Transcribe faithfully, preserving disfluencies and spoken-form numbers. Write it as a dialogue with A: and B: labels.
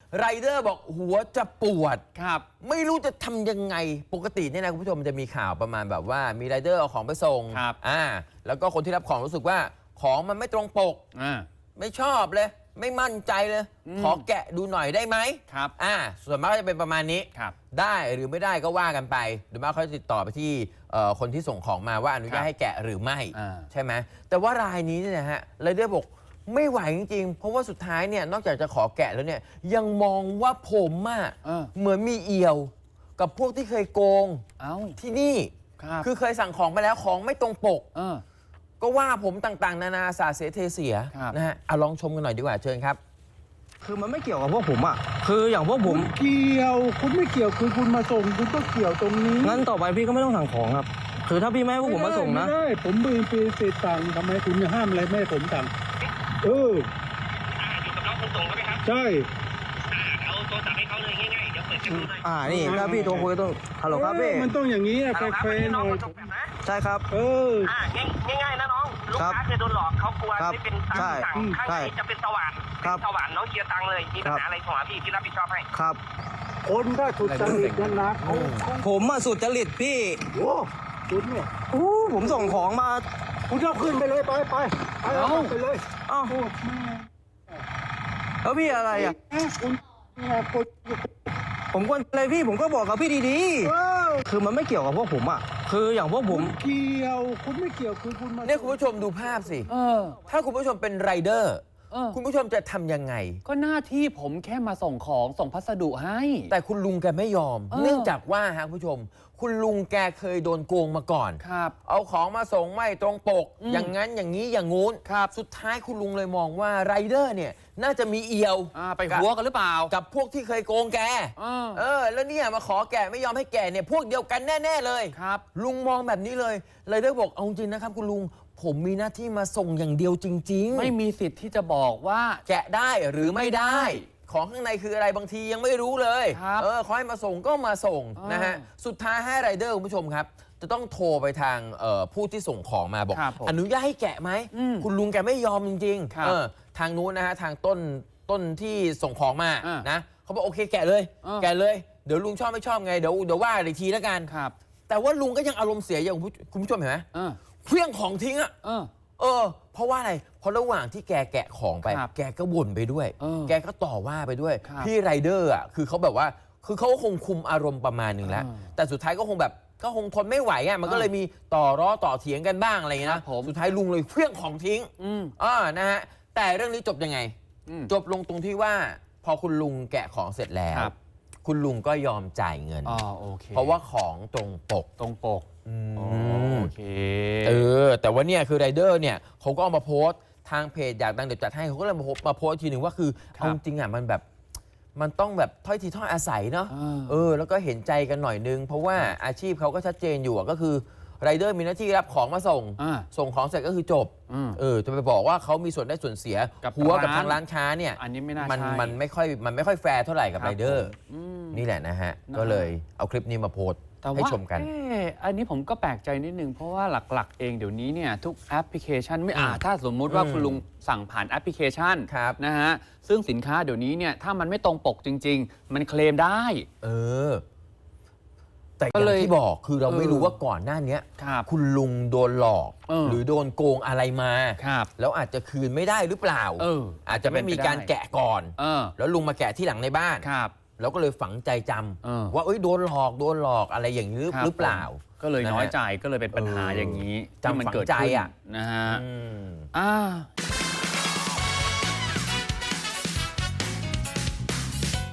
A: ไรเดอร์บอกหัวจะปวด
B: ครับ
A: ไม่รู้จะทำยังไงปกติเนี่ยนะคุณผู้ชมมันจะมีข่าวประมาณแบบว่ามีไรเดอร์เอาของไปส่ง
B: ครับ
A: อ่าแล้วก็คนที่รับของรู้สึกว่าของมันไม่ตรงปก
B: อ่า
A: ไม่ชอบเลย ไม่มั่นใจเลย
B: อืม
A: ขอแกะดูหน่อยได้ไหม
B: ครับ
A: อ่าส่วนมากก็จะเป็นประมาณนี้
B: ครับ
A: ได้หรือไม่ได้ก็ว่ากันไปหรือมากเขาจะติดต่อไปที่เอ่อคนที่ส่งของมาว่าอนุญาตให้แกะหรือไม่
B: อ่า
A: ใช่ไหมแต่ว่ารายนี้เนี่ยนะฮะไรเดอร์บอกไม่ไหวจริงๆ เพราะว่าสุดท้ายเนี่ยนอกจากจะขอแกะแล้วเนี่ยยังมองว่าผมอะ
B: เออ
A: เหมือนมีเอี่ยว กับพวกที่เคยโกง
B: เอ้า
A: ที่นี่
B: ครับ
A: คือเคยสั่งของไปแล้วของไม่ตรงปก
B: เออ
A: ก็ว่าผมต่างๆ นานาสาเสเทเสีย
B: ครับ
A: นะฮะเอาลองชมกันหน่อยดีกว่าเชิญครับ
C: คือมันไม่เกี่ยวกับพวกผมอ่ะ คืออย่างพวกผม
D: เกี่ยวคุณไม่เกี่ยวคือคุณมาส่งคุณก็เกี่ยวตรงนี้
C: งั้นต่อไปพี่ก็ไม่ต้องสั่งของครับ คือถ้าพี่ไม่ให้พวกผมมาส่งนะ
D: ไม่ได้ผมมือปีเศษตังทำไมคุณจะห้ามอะไรไม่ให้ผมสั่งเออ
E: อยู่กับน้องคนส่งใช่ไหมครับ
D: ใช่
E: อ่าเอาโทรศัพท์ให้เขาเลยง่ายๆ เดี๋ยวเปิดให้ดูหน่อย
C: อ่า นี่ถ้าพี่โทรคุยต้องฮัลโหลครับพี่
D: เออมันต้องอย่างนี้อะ
E: ฮัลโหลครับ
D: แฟ
E: วัน
D: ร์
E: นี้
D: ๆห
E: น้อ
D: น่
E: ง
D: อย
E: คนส่งแบบนะ
C: ใช่ครับ
D: เออ
E: อ่าง่ายง่ายๆนะน้อง ลูก
C: ครับ
E: ค้าเคยโดนหลอกเขากลัว
C: ครับ
E: ไม่เป็นตัง
C: ใช่
E: ค์สั่งข้าง
C: ใช่
E: ในจะเป็นสว่าน
C: ครับ
E: เป็นสว่านน้องเคลียร์ตังค์เลย มีปัญ
C: ครั
E: หา
C: บ
E: อะไรโทรหาพี่พี่รับผิดชอบให้
C: ครับ
D: คนถ้าสุดจริตนั่นนะเขาเขา
C: ผมอ่ะสุดจริตพี่
D: โอ้คุณเนี่ย
C: อู้ผมส่งของมา
D: คุณเอาขึ้นไปเลยไปไปไปเอา
C: เอ้า
D: ไปเลย
C: อ้าว
D: โอ้แม่
C: แล้วพี่อะไรอ่ะ
D: แม่คุณแม่คุณ
C: ผมกวนอะไรพี่ ผมก็บอกกับพี่ดี
D: เออ
C: ๆ คือมันไม่เกี่ยวกับพวกผมอ่ะ คืออย่างพวกผ
D: คุ
C: ม
D: ณเกี่ยวคุณไม่เกี่ยวคือคุณมา
A: เนี่ยคุณผู้ชมดูภาพสิ
B: เออ
A: ถ้าคุณผู้ชมเป็นไรเดอร์
B: เออ
A: คุณผู้ชมจะทำยังไง
B: ก็หน้าที่ผมแค่มาส่งของส่งพัสดุให้
A: แต่คุณลุงแกไม่ยอม
B: เออ
A: เนื่องจากว่าฮะคุณผู้ชม คุณลุงแกเคยโดนโกงมาก่อน
B: ครับ
A: เอาของมาส่งไม่ตรงปก
B: อืม
A: อย่างนั้นอย่างนี้อย่างงู้น
B: ครับ
A: สุดท้ายคุณลุงเลยมองว่าไรเดอร์เนี่ยน่าจะมีเอี่ยว
B: อ่าไปหัวกันหรือเปล่า
A: กับพวกที่เคยโกงแก
B: เออ
A: เออ แล้วเนี่ยมาขอแกไม่ยอมให้แกเนี่ยพวกเดียวกันแน่ ๆ เลย
B: ครับ
A: ลุงมองแบบนี้เลยไรเดอร์บอกเอาจริงนะครับคุณลุงผมมีหน้าที่มาส่งอย่างเดียวจริงๆ
B: ไม่มีสิทธิ์ที่จะบอกว่า
A: แกะได้หรือไม่ได้ ของข้างในคืออะไรบางทียังไม่รู้เลย
B: ครับ
A: เออขอให้มาส่งก็มาส่ง
B: อ่าน
A: นะฮะสุดท้ายให้ไรเดอร์คุณผู้ชมครับ จะต้องโทรไปทางเอ่อผู้ที่ส่งของมาบอก
B: ครับผม
A: อนุญาตให้แกะไหม
B: อืม
A: คุณลุงแกไม่ยอมจริง
B: ครับ
A: ๆเออทางนู้นนะฮะทางต้นต้นที่ส่งของมา
B: อ่า
A: นะเขาบอกโอเคแกะเลย
B: อ่า
A: แกะเลยเดี๋ยวลุงชอบไม่ชอบไงเดี๋ยวเดี๋ยวว่าอีกทีแล้วกัน
B: ครับ
A: แต่ว่าลุงก็ยังอารมณ์เสียอย่างคุณผู้คุณผู้ชมเห็นไหม
B: เออ
A: เครื่องของทิ้งอะ
B: เออ
A: เออ เพราะว่าอะไร เพราะระหว่างที่แกแกะของไป
B: ครับ
A: แกก็บ่นไปด้วย
B: เออ
A: แกก็ต่อว่าไปด้วย
B: ครับ
A: พี่ไรเดอร์อ่ะ คือเขาแบบว่า คือเขาก็คงคุมอารมณ์ประมาณหนึ่งแล้ว
B: เออ
A: แต่สุดท้ายก็คงแบบ ก็คงทนไม่ไหวอ่ะ มันก็
B: เออ
A: เลยมีต่อร้อต่อเถียงกันบ้างอะไรอย่างเงี้ย
B: ครั
A: นะ
B: บผม
A: สุดท้ายลุงเลยเครื่องของทิ้ง
B: อืม
A: อ่านะฮะ แต่เรื่องนี้จบยังไง
B: อืม
A: จบลงตรงที่ว่า พอคุณลุงแกะของเสร็จแล้ว
B: ครับ
A: คุณลุงก็ยอมจ่ายเงิน
B: อ๋อโอเค
A: เพราะว่าของตรงปก
B: ตรงปก
A: อืม
B: อ๋อโอเค
A: เออ แต่ว่าเนี่ยคือไรเดอร์เนี่ยเขาก็เอามาโพสต์ทางเพจอยากดังเดี๋ยวจัดให้เขาก็เลยมาโพสต์มาโพสต์อีกทีหนึ่งว่าคือ
B: ครับ
A: เอาจริงๆอ่ะมันแบบมันต้องแบบถ้อยทีถ้อยอาศัยเนาะ
B: อ่า
A: เออแล้วก็เห็นใจกันหน่อยนึง เพราะว่าอาชีพเขาก็ชัดเจนอยู่อะก็คือไรเดอร์มีหน้าที่รับของมาส่ง
B: อ่า
A: ส่งของเสร็จก็คือจบ
B: อืม
A: เออจะไปบอกว่าเขามีส่วนได้ส่วนเสีย
B: กับ
A: หัวกับ
B: ร้าน
A: ทางร้านค้าเนี่ย
B: อันนี้ไม่น่า
A: มัน
B: ใช่
A: มันไม่ค่อยมันไม่ค่อยแฟร์เท่าไหร่กับ
B: ครั
A: ไร
B: บ
A: เดอร์
B: ผมอืม
A: นี่แหละนะฮะ
B: นะ
A: ก็เลยเอาคลิปนี้มาโพสต์
B: แต่
A: ให้
B: ว่า
A: ชมกัน
B: เอ๊ะอันนี้ผมก็แปลกใจนิดนึง เพราะว่าหลักๆ เองเดี๋ยวนี้เนี่ยทุกแอปพลิเคชันไม่อ่าถ้าสมมุติว่า
A: อืม
B: คุณลุงสั่งผ่านแอปพลิเคชัน
A: ครับ
B: นะฮะซึ่งสินค้าเดี๋ยวนี้เนี่ยถ้ามันไม่ตรงปกจริง ๆ มันเคลมได้
A: เออ แต่อ
B: ก็
A: ย่า
B: เลย
A: งที่บอกคือเราไม่
B: เออ
A: รู้ว่าก่อนหน้าเนี้ย
B: ครับ
A: คุณลุงโดนหลอก
B: เออ
A: หรือโดนโกงอะไรมา
B: ครับ
A: แล้วอาจจะคืนไม่ได้หรือเปล่า
B: เออ
A: อาจจะไม่มีการแกะก่อน
B: เออ
A: แล้วลุงมาแกะที่หลังในบ้าน
B: ครับ
A: แล้วก็เลยฝังใจจำ
B: เออ
A: ว่าเอ้ยโดนหลอกโดนหลอกอะไรอย่างนี้
B: ครับ
A: หรือเปล่า
B: ก็เลย
A: นะฮะ
B: น้อยใจก็เลยเป็นปัญหา
A: เออ
B: อย่างนี้
A: จำ
B: ที่มัน
A: ฝัง
B: เกิด
A: ใจ
B: ขึ้น
A: อะ
B: นะฮะ
A: อืม
B: อ่า